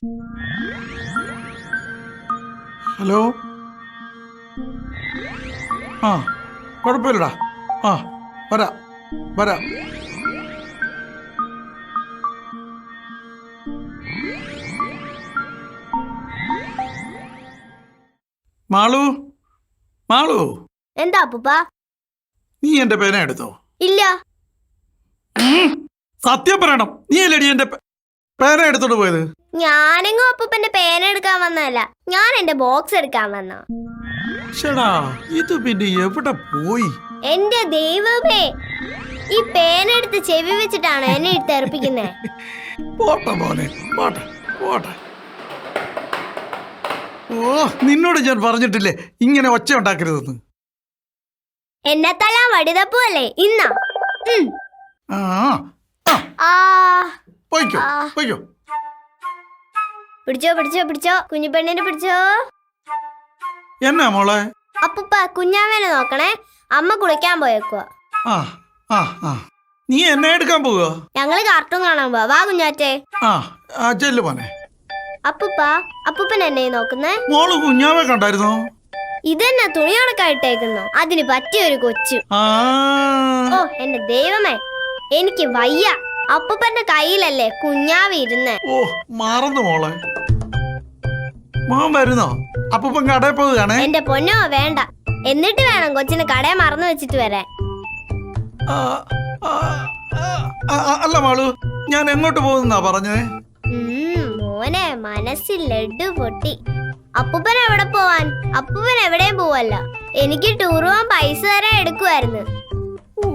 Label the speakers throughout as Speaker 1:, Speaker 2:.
Speaker 1: Hello. ആ കുഴപ്പമില്ലടാ. ആ വരാം വരാം. മാളു, മാളു,
Speaker 2: എന്താ അപ്പൂപ്പ?
Speaker 1: നീ എന്റെ പേന എടുത്തോ?
Speaker 2: ഇല്ല.
Speaker 1: സത്യം പറയണം, നീ അല്ലേടി എന്റെ പേന എടുത്തോണ്ട് പോയത്?
Speaker 2: ഞാനെങ്ങും അപ്പൂപ്പന്റെ പേന എടുക്കാൻ വന്നതല്ല, ഞാൻ എന്റെ ബോക്സ് എടുക്കാൻ വന്ന.
Speaker 1: ഷടാ, ഇത് പിന്നെ എവിടെ പോയി?
Speaker 2: എന്റെ ദൈവമേ, ഈ പേന എടുത്ത് ചെവി വെച്ചിട്ടാണ് എന്നെ തെറിപ്പിക്കുന്നേ.
Speaker 1: പോട്ടെ മോനെ, പോട്ടെ പോട്ടെ. ഓ, നിന്നോട് ഞാൻ പറഞ്ഞിട്ടില്ലേ ഇങ്ങനെ ഒച്ച ഉണ്ടാക്കരുതെന്ന്?
Speaker 2: എന്നെ തല്ലാൻ വടിതപ്പു അല്ലേ ഇന്നാ?
Speaker 1: ആ
Speaker 2: ആ,
Speaker 1: പോയിക്കോ പോയിക്കോ.
Speaker 2: പിടിച്ചോ പിടിച്ചോ പിടിച്ചോ, കുഞ്ഞിപ്പെണ്ണിനെ പിടിച്ചോ.
Speaker 1: എന്നാ മോളെ?
Speaker 2: അപ്പൂപ്പ കുഞ്ഞാവേനെ നോക്കണേ, അമ്മ കുളിക്കാൻ പോയേക്കുവാ.
Speaker 1: ആ ആ ആ, നീ എന്നെ എടുക്കാൻ പോവുക?
Speaker 2: ഞങ്ങള് കാർട്ടൂൺ കാണാൻ പോവാ. വാ കുഞ്ഞാറ്റേ.
Speaker 1: ആ ചെല്ലു മോനെ.
Speaker 2: അപ്പൂപ്പ, അപ്പൂപ്പൻ എന്നെ നോക്കുന്നേ.
Speaker 1: മോള് കുഞ്ഞാവെ കണ്ടായിരുന്നോ?
Speaker 2: ഇതെന്നെ തുണി ഉണക്കായിട്ടേക്കുന്നു, അതിന് പറ്റിയൊരു കൊച്ചു. ഓ എന്റെ ദൈവമേ, എനിക്ക് വയ്യ. അപ്പൂപ്പന്റെ കയ്യിലല്ലേ കുഞ്ഞാവി ഇരുന്ന്.
Speaker 1: ഓ മറന്നു മോളെ. മോൻ വരുന്നോ? അപ്പൂപ്പൻ കടയിൽ പോവുകയാണേ.
Speaker 2: എന്റെ പൊന്നോ വേണ്ട, എന്നിട്ട് വേണം കൊച്ചിന് കടയെ മറന്നു വെച്ചിട്ട് വരാൻ.
Speaker 1: അല്ല മാളു, ഞാൻ എങ്ങോട്ട് പോകുന്നാ പറഞ്ഞേ?
Speaker 2: മോനെ മനസ്സിൽ ലഡ്ഡു പൊട്ടി. അപ്പൂപ്പൻ എവിടെ പോവാൻ? അപ്പൂപ്പൻ എവിടെയും പോവല്ല. എനിക്ക് ടൂർ പോവാൻ പൈസ തരാൻ എടുക്കുമായിരുന്നു.
Speaker 1: ഓ,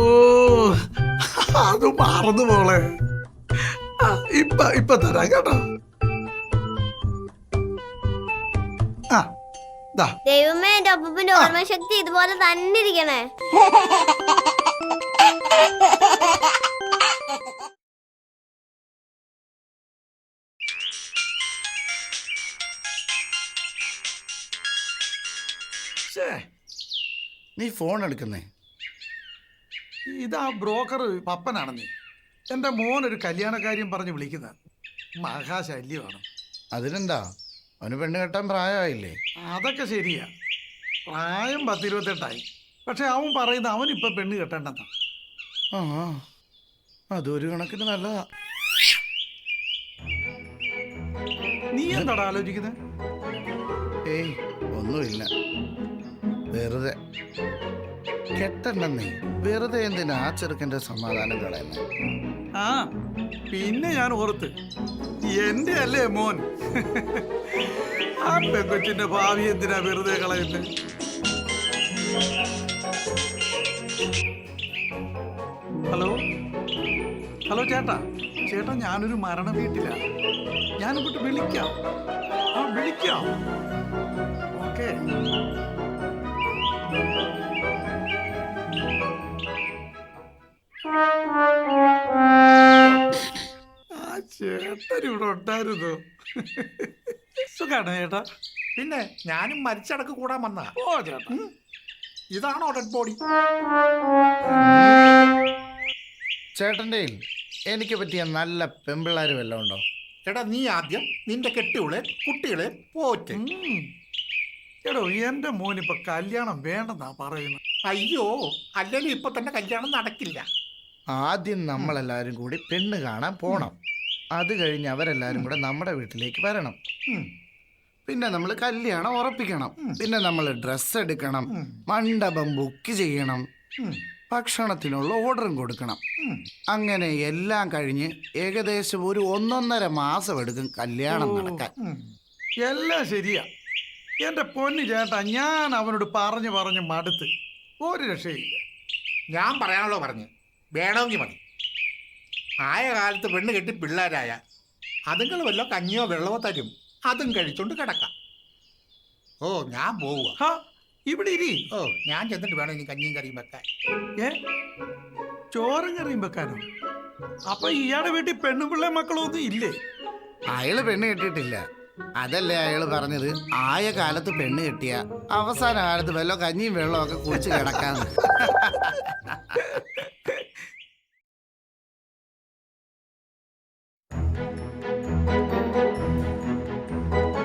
Speaker 1: അത് മറന്നു മോളെ. ഇപ്പൊ തരാം കേട്ടോ.
Speaker 2: ദൈവമേ, എന്റെ അപ്പൂപ്പന്റെ ഓർമ്മശക്തി ഇതുപോലെ തന്നെ ഇരിക്കണേ.
Speaker 3: നീ ഫോൺ എടുക്കുന്നേ?
Speaker 1: ഇതാ ബ്രോക്കർ പപ്പനാണ്. നീ എന്റെ മോൻ ഒരു കല്യാണക്കാര്യം പറഞ്ഞ് വിളിക്കുന്ന മഹാശല്യമാണ്.
Speaker 3: അതിനെന്താ, അവന് പെണ്ണ് കെട്ടാൻ പ്രായമായില്ലേ?
Speaker 1: അതൊക്കെ ശരിയാ, പ്രായം 10-28ആയി. പക്ഷെ അവൻ പറയുന്ന അവനിപ്പൊ പെണ്ണ് കെട്ടേണ്ടെന്നാ.
Speaker 3: ആ, അതൊരു കണക്കിന് നല്ലതാ.
Speaker 1: നീ എന്താടാ ആലോചിക്കുന്നത്?
Speaker 3: ഏയ് ഒന്നുമില്ല, വെറുതെ. കെട്ടണ്ടെന്നേ, വെറുതെ എന്തിനാ ആ ചെറുക്കൻ്റെ സമാധാനം കളയുന്നേ?
Speaker 1: ആ പിന്നെ ഞാൻ ഓർത്ത്, എന്റെ അല്ലേ മോൻ. ആ പെങ്കൊച്ചിന്റെ ഭാവി എന്തിനാ വെറുതെ കളയുന്നത്? ഹലോ ഹലോ ചേട്ടാ, ചേട്ടാ ഞാനൊരു മരണ വീട്ടിലാ. ഞാനിങ്ങോട്ട് വിളിക്കാം. വിളിക്കാം. ഓക്കെ. ചേട്ടൻ ഇവിടെ ഉണ്ടായിരുന്നു. സുഖാണോ ചേട്ടാ?
Speaker 4: പിന്നെ ഞാനും മരിച്ചടക്ക് കൂടാൻ വന്ന.
Speaker 1: ഓ ചേട്ടാ,
Speaker 4: ഇതാണോ ഡെഡ് ബോഡി?
Speaker 3: ചേട്ടൻ്റെ എനിക്ക് പറ്റിയ നല്ല പെമ്പിള്ളാര് വല്ലതും ഉണ്ടോ?
Speaker 4: എടാ, നീ ആദ്യം നിന്റെ കെട്ടിയോളെ കുട്ടികളെ പോറ്റ്.
Speaker 1: എടോ, എന്റെ മോനിപ്പൊ കല്യാണം വേണ്ടെന്നാ പറയുന്നത്.
Speaker 4: അയ്യോ, അല്ലെങ്കിൽ ഇപ്പൊ തന്നെ കല്യാണം നടക്കില്ല.
Speaker 3: ആദ്യം നമ്മളെല്ലാവരും കൂടി പെണ്ണ് കാണാൻ പോണം. അത് കഴിഞ്ഞ് അവരെല്ലാവരും കൂടെ നമ്മുടെ വീട്ടിലേക്ക് വരണം. പിന്നെ നമ്മൾ കല്യാണം ഉറപ്പിക്കണം. പിന്നെ നമ്മൾ ഡ്രസ്സ് എടുക്കണം, മണ്ഡപം ബുക്ക് ചെയ്യണം, ഭക്ഷണത്തിനുള്ള ഓർഡറും കൊടുക്കണം. അങ്ങനെ എല്ലാം കഴിഞ്ഞ് ഏകദേശം ഒരു 1.5 മാസം എടുക്കും കല്യാണം നടക്കാൻ.
Speaker 1: എല്ലാം ശരിയാ എന്റെ പൊന്നു ചേട്ടാ. ഞാൻ അവനോട് പറഞ്ഞു മടുത്ത്, ഒരു രക്ഷയില്ല.
Speaker 4: ഞാൻ പറയാനുള്ളോ പറഞ്ഞു, വേണമെങ്കിൽ മതി. ആയ കാലത്ത് പെണ്ണ് കെട്ടി പിള്ളേരായ അതുങ്ങൾ വല്ലോ കഞ്ഞിയോ വെള്ളമോ തരും, അതും കഴിച്ചോണ്ട് കിടക്കാം. ഓ ഞാൻ പോവുക.
Speaker 1: ഇവിടെ ഇരി.
Speaker 4: ഓ ഞാൻ ചെന്നിട്ട് വേണം ഇനി കഞ്ഞിയും കറിയും വെക്കാൻ.
Speaker 1: ചോറും കറിയും വെക്കാനോ? അപ്പൊ ഇയാളുടെ വീട്ടിൽ പെണ്ണും പിള്ളേ മക്കളോ ഒന്നും ഇല്ലേ?
Speaker 3: അയാള് പെണ്ണ് കെട്ടിയിട്ടില്ല. അതല്ലേ അയാള് പറഞ്ഞത്, ആയ കാലത്ത് പെണ്ണ് കെട്ടിയ അവസാന കാലത്ത് വല്ലോ കഞ്ഞിയും വെള്ളവും ഒക്കെ കുടിച്ച് കിടക്കാന്ന്.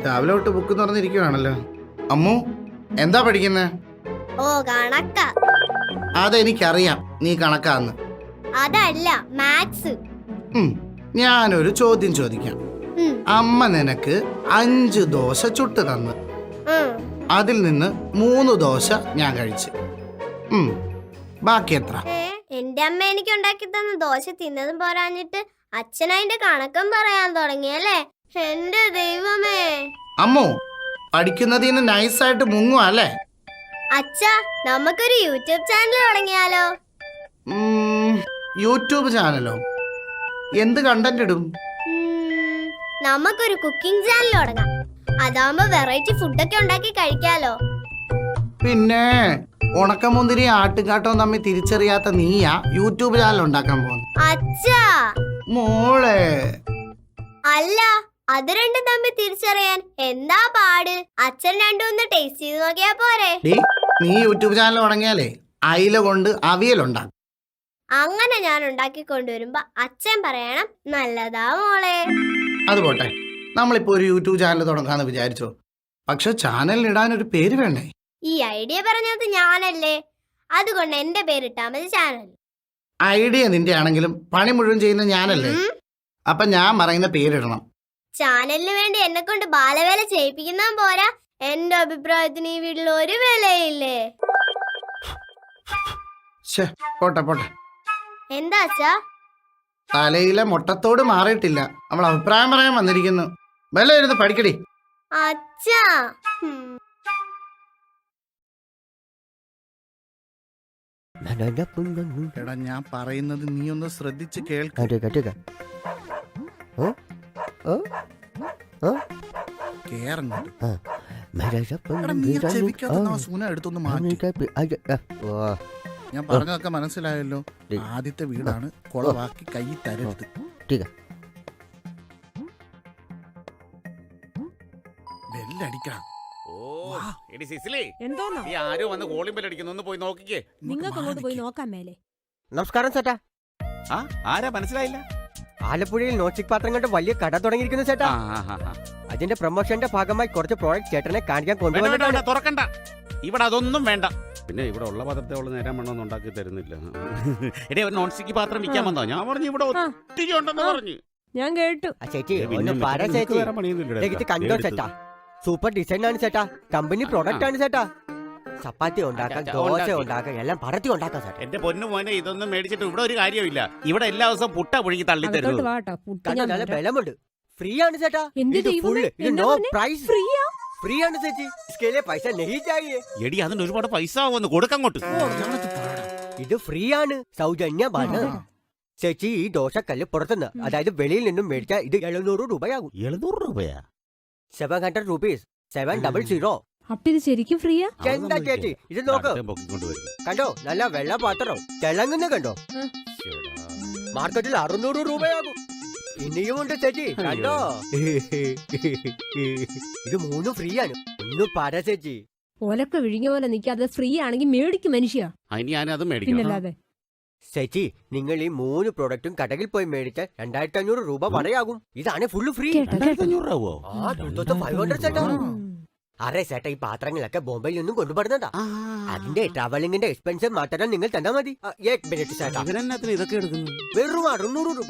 Speaker 3: രാവിലെ തൊട്ട് ബുക്ക് തുറന്നിരിക്കുവാണല്ലോ. അമ്മു എന്താ പഠിക്കുന്നേ?
Speaker 2: ഓ കണക്ക.
Speaker 3: അതെനിക്കറിയാം നീ കണക്കാന്ന്.
Speaker 2: അതല്ല മാത്സ്.
Speaker 3: ഞാനൊരു ചോദ്യം ചോദിക്കാം. അമ്മ നിനക്ക് 5 ദോശ ചുട്ട് തന്നു. അതിൽ നിന്ന് 3 ദോശ ഞാൻ കഴിച്ചു. ബാക്കി എത്ര?
Speaker 2: എന്റെ അമ്മ എനിക്ക് ഉണ്ടാക്കി തന്ന ദോശ തിന്നതും പോരാഞ്ഞിട്ട് അച്ഛൻ അതിന്റെ കണക്കും പറയാൻ തുടങ്ങിയല്ലേ. എന്റെ ദൈവമേ.
Speaker 3: അമ്മു പഠിക്കുന്നതിന് നൈസായിട്ട് മുങ്ങും അല്ലേ?
Speaker 2: അച്ഛാ നമുക്കൊരു യൂട്യൂബ് ചാനൽ തുടങ്ങിയാലോ?
Speaker 3: യൂട്യൂബ് ചാനലോ? എന്ത് കണ്ടന്റ് ഇടും?
Speaker 2: നമുക്കൊരു കുക്കിംഗ് ചാനൽ തുടങ്ങാം. അതാവുമ്പോ വെറൈറ്റി ഫുഡൊക്കെ ഉണ്ടാക്കി കഴിക്കാലോ.
Speaker 3: പിന്നെ ഉണക്കമുന്തിരി ആട്ടുകാട്ടവും തമ്മിൽ തിരിച്ചറിയാത്ത നീയാ യൂട്യൂബ് ചാനൽ ഉണ്ടാക്കാൻ പോകുന്നു.
Speaker 2: അച്ഛാ
Speaker 3: മോളെ.
Speaker 2: അല്ല അത് രണ്ടും തമ്മിൽ തിരിച്ചറിയാൻ എന്താ പാട്? അച്ഛൻ രണ്ടും ഒന്ന് ടേസ്റ്റ് ചെയ്ത് നോക്കിയാ പോരെ?
Speaker 3: നീ യൂട്യൂബ് ചാനൽ തുടങ്ങിയാലേ അയില കൊണ്ട് അവിയലുണ്ടാക്കും.
Speaker 2: അങ്ങനെ ഞാൻ ഉണ്ടാക്കി കൊണ്ടുവരുമ്പോ അച്ഛൻ പറയണം നല്ലതാ മോളെ.
Speaker 3: അത് പോട്ടെ, നമ്മളിപ്പോ ഒരു യൂട്യൂബ് ചാനൽ തുടങ്ങാന്ന് വിചാരിച്ചോ. പക്ഷെ ചാനലിന് ഇടാൻ ഒരു പേര് വേണ്ടേ?
Speaker 2: ഈ ഐഡിയ പറഞ്ഞത് ഞാനല്ലേ, അതുകൊണ്ട് എന്റെ പേരിട്ടാ മതി ചാനൽ.
Speaker 3: ഐഡിയ നിന്റെ ആണെങ്കിലും പണി മുഴുവൻ ചെയ്യുന്ന ഞാനല്ലേ. അപ്പൊ ഞാൻ പറയുന്ന പേരിടണം.
Speaker 2: ചാനലിന് വേണ്ടി എന്നെ കൊണ്ട് ബാലവേല ചെയ്യിപ്പിക്കുന്ന പോരാ, എന്റെ അഭിപ്രായത്തിന് ഈ വീട്ടിൽ ഒരു വിലയില്ലേ.
Speaker 3: പോട്ടെ പോട്ടെ.
Speaker 2: എന്താ അച്ഛാ?
Speaker 3: തലയിലെ മുട്ടത്തോട് മാറിയിട്ടില്ല. നമ്മൾ അഭിപ്രായം പറയാൻ വന്നിരിക്കുന്നു. വല്ല ഇരുന്ന് പഠിക്കടി.
Speaker 2: അച്ഛാ
Speaker 3: എടാ ഞാൻ പറയുന്നത് നീ ഒന്ന് ശ്രദ്ധിച്ച് കേൾക്ക. എടുത്തൊന്ന് മാറ്റി. ഞാൻ പറഞ്ഞതൊക്കെ മനസ്സിലായല്ലോ. ആദ്യത്തെ വീടാണ്, കൊളവാക്കി കൈ തരരുത്. ബെല്ലടിക്കണം.
Speaker 5: നിങ്ങൾക്ക് അങ്ങോട്ട് പോയി നോക്കാൻ മേലെ.
Speaker 6: നമസ്കാരം ചേട്ടാ.
Speaker 7: ആരാ മനസ്സിലായില്ല?
Speaker 6: ആലപ്പുഴയിൽ നോസ്റ്റിക് പാത്രം കൊണ്ട് വലിയ കട തുടങ്ങിയിരിക്കുന്നു ചേട്ടാ. അതിന്റെ പ്രൊമോഷന്റെ ഭാഗമായി കുറച്ച് പ്രോഡക്റ്റ് ചേട്ടനെ കാണിക്കാൻ കൊണ്ടുവന്നിട്ടാണ്.
Speaker 7: തുറക്കണ്ട, ഇവിടെ അതൊന്നും വേണ്ട. പിന്നെ ഇവിടെ ഉള്ള പാത്രത്തെ അവള് നേരം വേണമെന്ന് ഉണ്ടാക്കി തരുന്നില്ല. എടേ ഒരു നോൺ സ്റ്റിക്ക് പാത്രം വിൽക്കാൻ വന്നോ? ഞാൻ പറഞ്ഞു ഇവിടെ ഒത്തിരി ഉണ്ടെന്ന് പറഞ്ഞു.
Speaker 5: ഞാൻ കേട്ടു.
Speaker 6: ചേച്ചി ഒന്ന് പറ ചേച്ചി. കണ്ടോ ചേട്ടാ, സൂപ്പർ ഡിസൈൻ ആണ് ചേട്ടാ. കമ്പനി പ്രോഡക്റ്റ് ആണ് ചേട്ടാ. ചപ്പാത്തി ഉണ്ടാക്കാം, ദോശ ഉണ്ടാക്കാം, എല്ലാം പരത്തി ഉണ്ടാക്കാം ചേട്ടാ.
Speaker 7: എന്റെ പൊന്നു മോനെ, ഇതൊന്നും മേടിച്ചിട്ട് ഇവിടെ ഒരു കാര്യമില്ല. ഇവിടെ എല്ലാ ദിവസവും പുട്ട പുഴുങ്ങി തള്ളി തരുന്നു.
Speaker 6: നല്ല ബലമുണ്ട്. ഫ്രീ ആണ് ചേട്ടാ. No price. ഫ്രീ ആണ് ചേച്ചി. इसके പൈസ नहीं चाहिए.
Speaker 7: എടി അതിന് ഒരുപാട് പൈസ ആവുമെന്ന് കൊടുക്കങ്ങോട്ട്.
Speaker 6: ഇത് ഫ്രീ ആണ്, സൗജന്യമാണ് ചേച്ചി. ഈ ദോശക്കല്ല് പുറത്തുനിന്ന്, അതായത് വെളിയിൽ നിന്നും മേടിച്ചാൽ ഇത് 700 രൂപയാകും.
Speaker 7: 700 രൂപയാ?
Speaker 6: 700 rupees. 700.
Speaker 5: അപ്പൊ ഇത് ശരിക്കും ഫ്രീയാ?
Speaker 6: എന്താ ചേച്ചി ഇത് നോക്ക്. കണ്ടോ, നല്ല വെള്ള പാത്രം തിളങ്ങുന്ന കണ്ടോ. മാർക്കറ്റിൽ 600 രൂപയാകും. ഇനിയുമുണ്ട് ചേച്ചി, കണ്ടോ. ഇത് 3 ഫ്രീ ആണ്. ഒന്ന് പറ ചേച്ചി.
Speaker 5: ഓലൊക്കെ വിഴിഞ്ഞ പോലെ നിൽക്കാതെ ഫ്രീ ആണെങ്കിൽ മേടിക്കും മനുഷ്യ.
Speaker 7: പിന്നല്ലാതെ
Speaker 6: ചേച്ചി, നിങ്ങൾ ഈ 3 പ്രോഡക്റ്റും കടയിൽ പോയി മേടിച്ചാൽ 2500 രൂപ വടയാകും. ഇതാണ് ഫുള്ള് ഫ്രീ. 2500 ചേട്ടാ. അറേ ചേട്ടാ, ഈ പാത്രങ്ങളൊക്കെ ബോംബെയിൽ നിന്നും കൊണ്ടുപോടുന്നതാ. അതിന്റെ ട്രാവലിംഗിന്റെ എക്സ്പെൻസ് മാത്രം നിങ്ങൾ തന്നാ മതി. ചേട്ടാ
Speaker 7: ഇതൊക്കെ എടുക്കുന്നു.
Speaker 6: വെറും 600 രൂപ.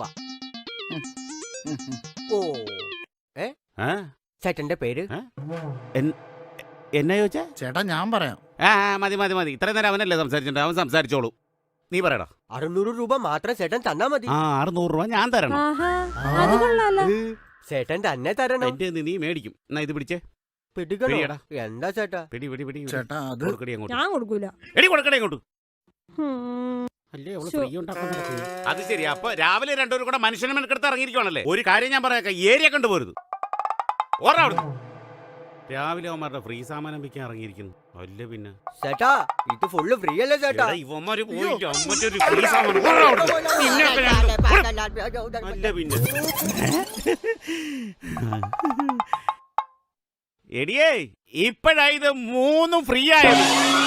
Speaker 6: ഓ ചേട്ടന്റെ പേര്
Speaker 7: എന്നാ ചോദിച്ചാ?
Speaker 3: ചേട്ടാ ഞാൻ പറയാം.
Speaker 7: മതി മതി മതി. ഇത്രയും നേരം അവനല്ലേ സംസാരിച്ചിട്ടുണ്ട്, അവൻ സംസാരിച്ചോളൂ. നീ പറയടാ.
Speaker 6: 600 രൂപ മാത്രം ചേട്ടൻ തന്നാ മതി.
Speaker 7: 600 രൂപ ഞാൻ തരണം.
Speaker 6: ചേട്ടൻ തന്നെ തരണം.
Speaker 7: എന്റെ നീ മേടിക്കും. എന്നാ ഇത് പിടിച്ചേ.
Speaker 6: എന്താ ചേട്ടാ?
Speaker 7: പിടി പിടി പിടി.
Speaker 3: ചേട്ടാ അത്
Speaker 5: ഞാൻ കൊടുക്കൂല.
Speaker 7: എടി കൊടുക്കടേ അങ്ങോട്ട്. അത് ശരി. അപ്പൊ രാവിലെ രണ്ടുപേരും കൂടെ മനുഷ്യനെ മെനക്കെടുത്ത് ഇറങ്ങിയിരിക്കുവാണല്ലേ. ഒരു കാര്യം ഞാൻ പറയാം, ഏരിയ കണ്ടുപോരുത്. ഓർമ്മ രാവിലെ അവന്മാരുടെ ഫ്രീ സാമാനം വിൽക്കാൻ ഇറങ്ങിയിരിക്കുന്നു. അല്ല പിന്നെ
Speaker 6: ചേട്ടാ, ഇത് ഫുള്ള് ഫ്രീ അല്ലേ ചേട്ടാ?
Speaker 7: ഇവന്മാര് പോയിട്ട് അമ്മറ്റൊരു ഫ്രീ സാമാനം. അല്ല പിന്നെ എടിയേ, ഇപ്പഴാ ഇത് 3 ഫ്രീ ആയത്.